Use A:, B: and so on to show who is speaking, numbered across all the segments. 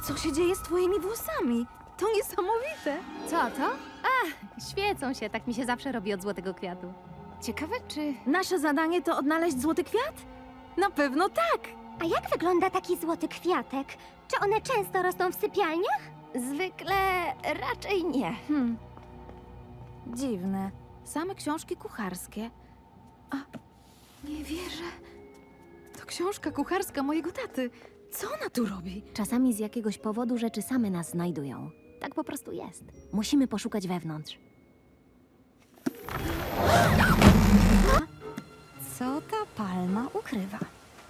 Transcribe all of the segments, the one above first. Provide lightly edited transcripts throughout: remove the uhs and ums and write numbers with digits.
A: Co się dzieje z twoimi włosami? To niesamowite.
B: Co to? Świecą się, tak mi się zawsze robi od złotego kwiatu. Ciekawe, czy...
A: Nasze zadanie to odnaleźć złoty kwiat? Na pewno tak.
C: A jak wygląda taki złoty kwiatek? Czy one często rosną w sypialniach?
B: Zwykle raczej nie.
A: Dziwne. Same książki kucharskie. A, nie wierzę. To książka kucharska mojego taty. Co ona tu robi?
B: Czasami z jakiegoś powodu rzeczy same nas znajdują. Tak po prostu jest. Musimy poszukać wewnątrz.
A: Co ta palma ukrywa?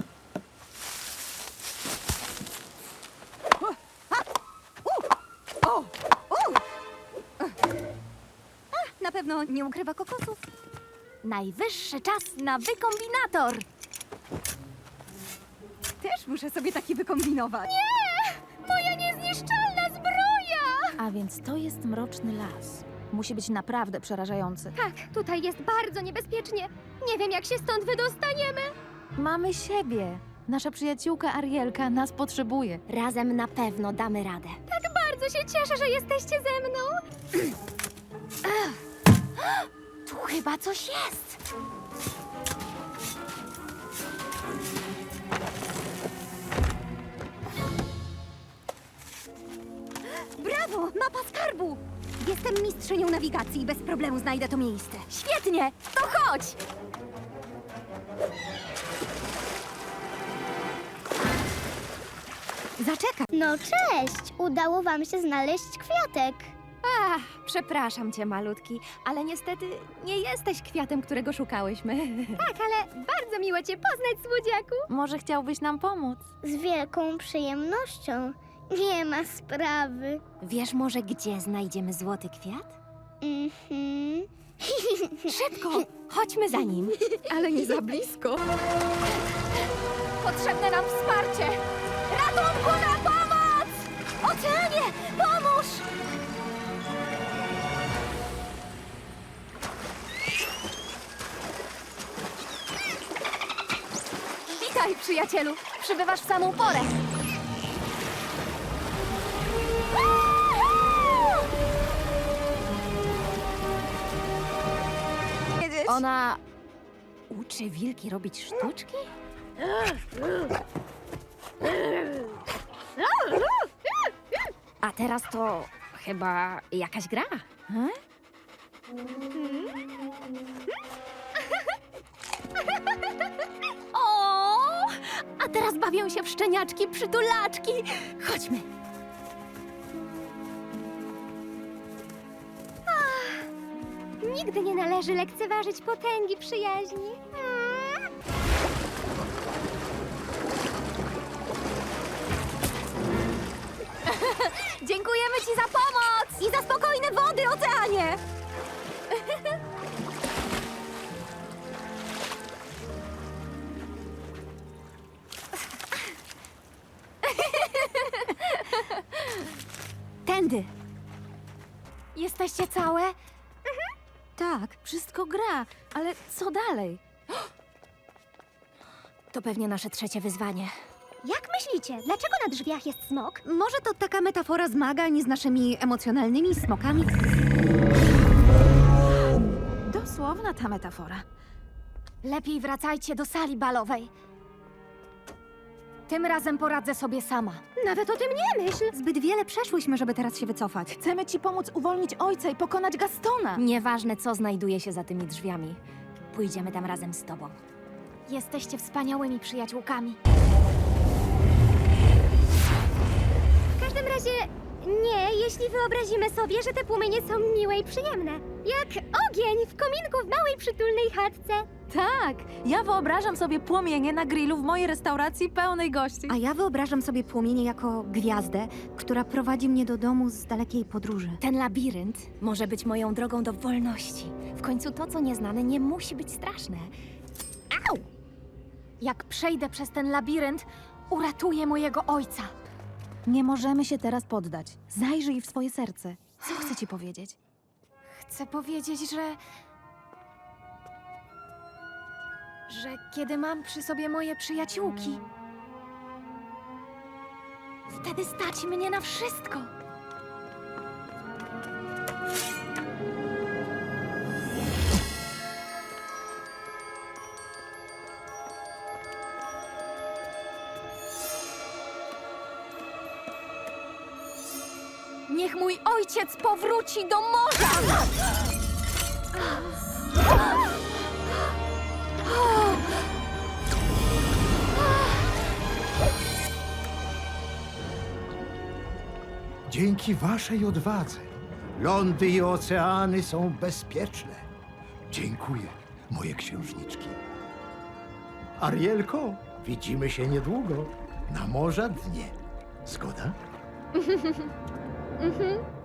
B: Na pewno nie ukrywa kokosów. Najwyższy czas na wykombinator! Też muszę sobie taki wykombinować.
C: Moja niezniszczalna zbroja!
A: A więc to jest mroczny las. Musi być naprawdę przerażający.
C: Tak, tutaj jest bardzo niebezpiecznie. Nie wiem, jak się stąd wydostaniemy.
A: Mamy siebie. Nasza przyjaciółka Arielka nas potrzebuje.
B: Razem na pewno damy radę.
C: Bardzo się cieszę, że jesteście ze mną.
B: Tu chyba coś jest!
C: Brawo, mapa skarbu! Jestem mistrzynią nawigacji i bez problemu znajdę to miejsce.
B: Świetnie! To chodź! Zaczekaj!
C: No cześć! Udało wam się znaleźć kwiatek.
B: Przepraszam cię, malutki, ale niestety nie jesteś kwiatem, którego szukałyśmy.
C: Tak, ale bardzo miło cię poznać, słodziaku.
A: Może chciałbyś nam pomóc?
C: Z wielką przyjemnością. Nie ma sprawy.
B: Wiesz może, gdzie znajdziemy złoty kwiat? Szybko! Chodźmy za nim.
A: Ale nie za blisko.
B: Potrzebne nam wsparcie! Ratunku, na pomoc! Oceanie, pomóż! Witaj, przyjacielu! Przybywasz w samą porę. Ona uczy wilki robić sztuczki? A teraz to chyba jakaś gra. O! A teraz bawią się w szczeniaczki, przytulaczki. Chodźmy.
C: Nigdy nie należy lekceważyć potęgi przyjaźni.
B: Dziękujemy ci za pomoc! I za spokojne wody, oceanie! Tędy. Jesteście całe?
A: Tak, wszystko gra. Ale co dalej?
B: To pewnie nasze trzecie wyzwanie.
C: Jak myślicie, dlaczego na drzwiach jest smok?
A: Może to taka metafora zmagań z naszymi emocjonalnymi smokami? Dosłowna ta metafora.
B: Lepiej wracajcie do sali balowej. Tym razem poradzę sobie sama.
C: Nawet o tym nie myśl.
A: Zbyt wiele przeszłyśmy, żeby teraz się wycofać. Chcemy ci pomóc uwolnić ojca i pokonać Gastona.
B: Nieważne, co znajduje się za tymi drzwiami. Pójdziemy tam razem z tobą. Jesteście wspaniałymi przyjaciółkami.
C: W każdym razie nie, jeśli wyobrazimy sobie, że te płomienie są miłe i przyjemne. Jak ogień w kominku w małej przytulnej chatce.
A: Tak, ja wyobrażam sobie płomienie na grillu w mojej restauracji pełnej gości.
D: A ja wyobrażam sobie płomienie jako gwiazdę, która prowadzi mnie do domu z dalekiej podróży.
B: Ten labirynt może być moją drogą do wolności. W końcu to, co nieznane, nie musi być straszne. Au! Jak przejdę przez ten labirynt, uratuję mojego ojca.
A: Nie możemy się teraz poddać. Zajrzyj w swoje serce. Co chcę ci powiedzieć?
B: Chcę powiedzieć, że kiedy mam przy sobie moje przyjaciółki, Wtedy stać mnie na wszystko. Niech mój ojciec powróci do morza!
E: Dzięki waszej odwadze lądy i oceany są bezpieczne. Dziękuję, moje księżniczki. Arielko, widzimy się niedługo na morza dnie. Zgoda?